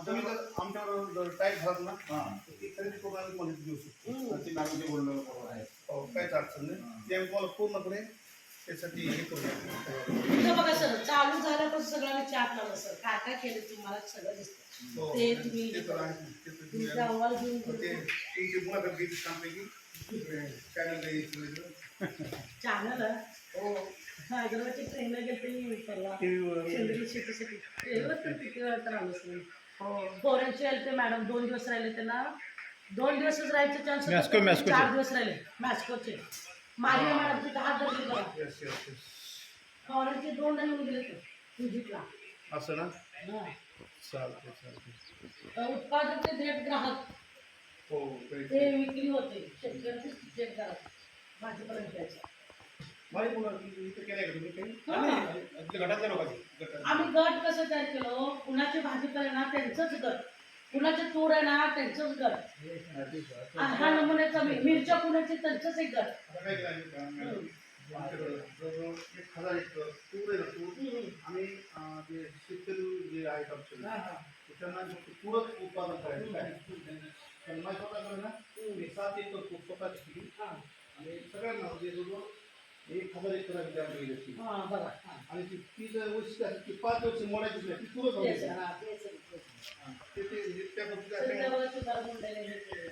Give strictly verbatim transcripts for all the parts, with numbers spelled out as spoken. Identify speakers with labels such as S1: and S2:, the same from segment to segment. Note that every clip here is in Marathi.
S1: तुम्ही जर आमच्यावर जर टाईट झालात ना ती खरेदी करून आम्ही मदत देऊ शकतो.
S2: ती मॅडम जे बोलणं बरोबर आहे.
S1: हो, काहीच अडचण नाही. ते आम्ही तुम्हाला पूर्णपणे त्यासाठी हे करूया.
S3: इथं बघा सर, चालू झाल्यापासून सगळं मी चाट लावलं सर, काय काय केलं तुम्हाला सगळं दिसतं.
S1: हो,
S3: ते तुम्ही
S1: ते तर आहे. ते तर तुम्ही
S3: तुमचा अहवाल घेऊन
S1: ते तुमची मुलाखत घेतली छानपैकी चॅनल येईल.
S3: चॅनल
S1: हो,
S3: हैदराबादची ट्रेनला गेलते मी परवा
S1: टीव्हीवर
S3: सेंद्रिय शेतीसाठी. ट्रेनवर तर किती वेळा तर आलोच नाही.
S1: हो.
S3: पोरांचे आले ते मॅडम दोन दिवस राहिले, त्यांना दोन दिवसच राहायचे चान्स
S4: मॅस्को- मॅस्कोचे.
S3: चार दिवस राहिले मॅस्कोचे. माझ्या मॅडमची दहा धरली बघा.
S1: Yes yes yes.
S3: पोरांचे दोन जण गेले ते विजिटला.
S1: असं ना,
S3: हा.
S1: चालते चालते.
S3: उत्पादक ते थेट ग्राहक
S1: हो, काही-
S3: ते विक्री होते. शेतकऱ्याचे थेट ग्राहक भाजीपर्यंत द्यायचं.
S1: माहिती मुलं इथं केलंय का तुम्ही काही?
S3: हा.
S2: आपल्या गटातल्या लोकांची गटात
S3: आम्ही गट कसं तयार केलो, कुणाची भाजी आहे ना त्यांचंच गट, कुणाचे तूर आहे ना त्यांचंच गट, हा नमुन्याचा मी- मिरच्या कुणाची त्यांचंच एक गट.
S1: आता काय केलं आम्ही का? मॅडम, आमच्याकडं जवळजवळ एक हजार एक तूर आहे ना तूर. आम्ही अं, जे शेतकरी जे आहेत आमचे
S3: हा, हा.
S1: त्यांना फक्त तूरच उत्पादन करायचं काय पण माझ्या स्वतःकडे ना मी सात एकर तूर स्वतःची केली
S3: हा.
S1: आणि सगळ्यांना म्हणजे जवळजवळ एक हजार एकर आम्ही तयार केली असती.
S3: हा, बघा. हा.
S1: आणि ती ती जर वैशिष्ट्य असेल ती पाच वर्ष मोडायचीच नाही ती तुरच
S3: तेच
S1: होती.
S3: आहे, हा, तेच आहे, तेच आहे.
S1: ते ते म्हणजे त्या पद्धतीने
S3: सध्या
S1: आपण
S3: बघा तुकाराम मुंडेने हे केलं.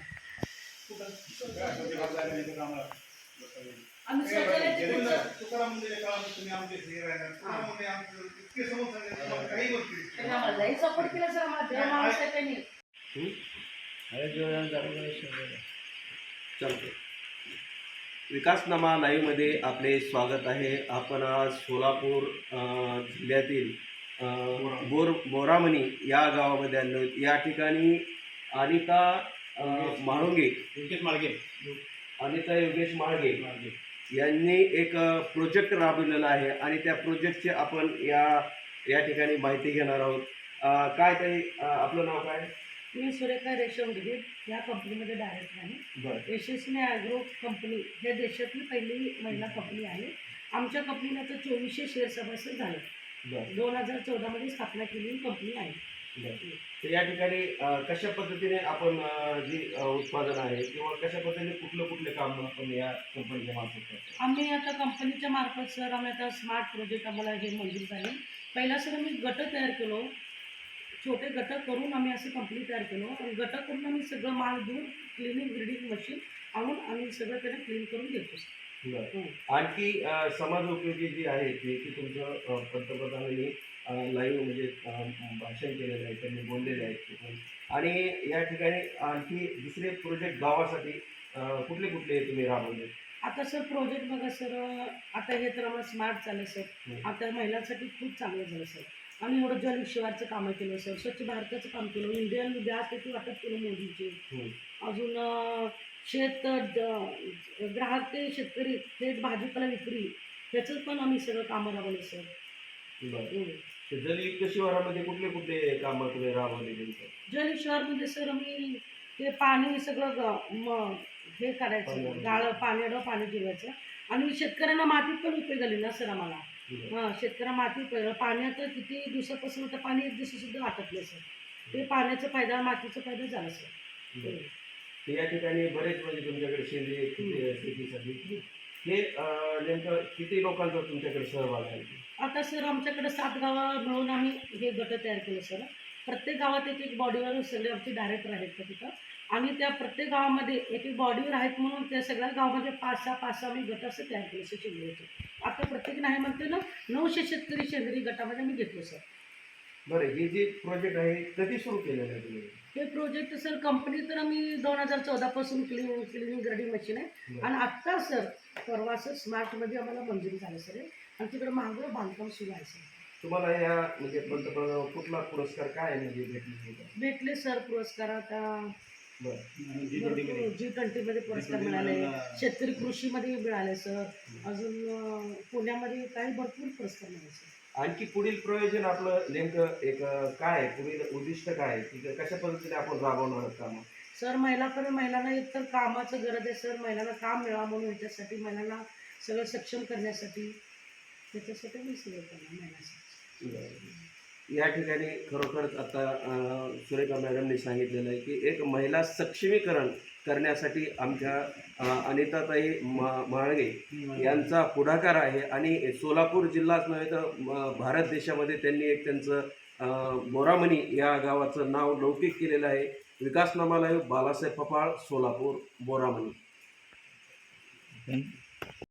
S3: आम्ही शौचालयाची
S1: गेले
S3: पूर्ण-
S1: तुकाराम मुंडेच्या काळात तुम्ही आमचे हे राहणार तुकाराम मुंडे आमचं इतके समोर सांगितलं तुम्हाला काही गोष्टी
S3: त्यांनी आम्हाला लई सपोर्ट केला सर, आम्हाला देव माणूस आहे त्यांनी.
S5: चालते. विकासनामा लाईव्हमध्ये आपले स्वागत आहे. आपण आज सोलापूर अ, जिल्ह्यातील अ, बोर बोरामणी या गावामध्ये आलो आहोत. या ठिकाणी अनिता अ, म्हाळुंगे
S2: योगेश माळगे
S5: अनिता योगेश माळगे यांनी एक प्रोजेक्ट राबवलेला आहे आणि त्या प्रोजेक्टची आपण या या ठिकाणी माहिती घेणार आहोत. अ, काय ताई, अ, आपलं नाव काय?
S3: मी सुरेखा रेशम गिरे या कंपनीमध्ये डायरेक्टर आहे.
S5: बरं
S3: यशस्वी ॲग्रो कंपनी हे देशातली पहिली महिला कंपनी आहे. आमच्या कंपनीला तर चोवीसशे शेअर सभासद झाले.
S5: बरं
S3: दोन हजार चौदामध्ये स्थापना केलेली कंपनी आहे.
S5: बरं. तर या ठिकाणी अ, कशा पद्धतीने आपण अ, जी अ, उत्पादन आहे किंवा कशा पद्धतीने कुठलं कुठले काम आपण या कंपनीच्या मार्फत करतो?
S3: आम्ही आता कंपनीच्या मार्फत सर आम्ही आता स्मार्ट प्रोजेक्ट आम्हाला हे मंजूर झाले. पहिला सर आम्ही गट तयार केलो, छोटे गट करून आम्ही असं कंपनी तयार केलो आणि गट करून आम्ही सगळं माल दूर क्लिनिंग ग्रेडिंग मशीन आणून आम्ही सगळं त्याला क्लीन करून देतो.
S5: बरं.
S3: हं.
S5: आणखी अ, समाजोपयोगी जी आहे ती की तुमचं अ, पंतप्रधानांनी लाईव्ह म्हणजे अ, भाषण केलेलं आहे, त्यांनी बोललेले आहेत तिथून. आणि या ठिकाणी आणखी दुसरे प्रोजेक्ट गावासाठी अ, कुठले कुठले तुम्ही राबवले?
S3: आता सर प्रोजेक्ट बघा सर, आता हे तर आम्हाला स्मार्ट झालं सर.
S5: हं.
S3: आता महिलांसाठी खूप चांगलं झालं सर. आम्ही एवढं जल शिवारचं कामं केलं सर, स्वच्छ भारताचं काम केलं, इंडियन गॅस पेटी वाटप केलं मोदीचे.
S5: हं.
S3: अजून अं, शेत द- ग्राहक ते शेतकरी थेट भाजीपाला विक्री ह्याचं पण आम्ही सगळं कामं राबवलं सर.
S5: बरं.
S3: हं.
S5: तर जलयुक्त शिवारामध्ये कुठले कुठले कामं तुम्ही राबवले त्यांचं?
S3: जल शिवारमध्ये सर आम्ही ते पाणी सगळं ग- म हे करायचं, गाळं पाण्यानं पाणी जिरवायचं आणि शेतकऱ्यांना मातीत पण उपयोग झाली ना सर आम्हाला. हां, शेतकऱ्यांना माती उपयोग पाण्यात किती दिवसापासून आता पाणी एक दिवसासुद्धा आटपलं सर. ते पाण्याचा फायदा मातीचा फायदा झाला सर.
S5: बरं. तर या ठिकाणी बरेच म्हणजे तुमच्याकडे सेंद्रिय शेती- शेतीसाठी हे अ, नेमकं किती लोकांचा तुमच्याकडे सहभाग आहे?
S3: आता सर आमच्याकडे सात गावं मिळून आम्ही हे गट तयार केले सर. प्रत्येक गावात एक एक बॉडीवर सगळे आमचे डायरेक्टर आहेत का तिथं आणि त्या प्रत्येक गावामध्ये एक एक बॉडीवर आहेत म्हणून त्या सगळ्या गावामध्ये पाच सहा पाच सहा आम्ही गट असं तयार केले सर शेतकऱ्याचे. आता प्रत्येक नाही म्हणते ना नऊशे शेतकरी सेंद्रिय गटामध्ये मी घेतलो सर.
S5: बरं, हे जे प्रोजेक्ट आहे कधी सुरू केलेलं आहे तुम्ही?
S3: हे प्रोजेक्ट सर कंपनी तर आम्ही दोन हजार चौदापासून क्लिनिंग क्लिनिंग ग्रेडिंग मशीन आहे आणि आत्ता सर परवा सर स्मार्टमध्ये आम्हाला मंजुरी झालं सर हे. आणि तिकडे मागं बांधकाम सुरू आहे सर.
S5: तुम्हाला या म्हणजे पंतप्रधान कुठला पुरस्कार काय म्हणजे भेटले?
S3: भेटले सर पुरस्कार आता
S5: बरं.
S3: जी ट्वेंटीमध्ये पुरस्कार मिळाले, शेतकरी कृषीमध्ये मिळाले सर. अजून अं, पुण्यामध्ये काही भरपूर पुरस्कार मिळाले सर.
S5: आणखी पुढील प्रयोजन आपलं नेमकं एक अं, काय आहे? पुढील उद्दिष्ट काय आहे की कशा पद्धतीने आपण राबवणार आहोत कामं?
S3: सर महिलाकडे महिलांना एक तर कामाचं गरज आहे सर. महिलांना काम मिळावं म्हणून याच्यासाठी महिलांना सगळं सक्षम करण्यासाठी त्याच्यासाठी मी सगळं करणार महिलांसाठी.
S5: बरं. या ठिकाणी खरोखरच आता अ, सुरेखा मॅडमनी सांगितलेलं आहे की एक महिला सक्षमीकरण करण्यासाठी आमच्या अ, अनिताताई मा माळगे यांचा पुढाकार आहे आणि सोलापूर जिल्हाच नव्हे तर म, भारत देशामध्ये त्यांनी एक त्यांचं अ, बोरामणी या गावाचं नाव लौकिक केलेलं आहे. विकासनामा लाईव्ह बालासाहेब पपाळ, सोलापूर, बोरामणी.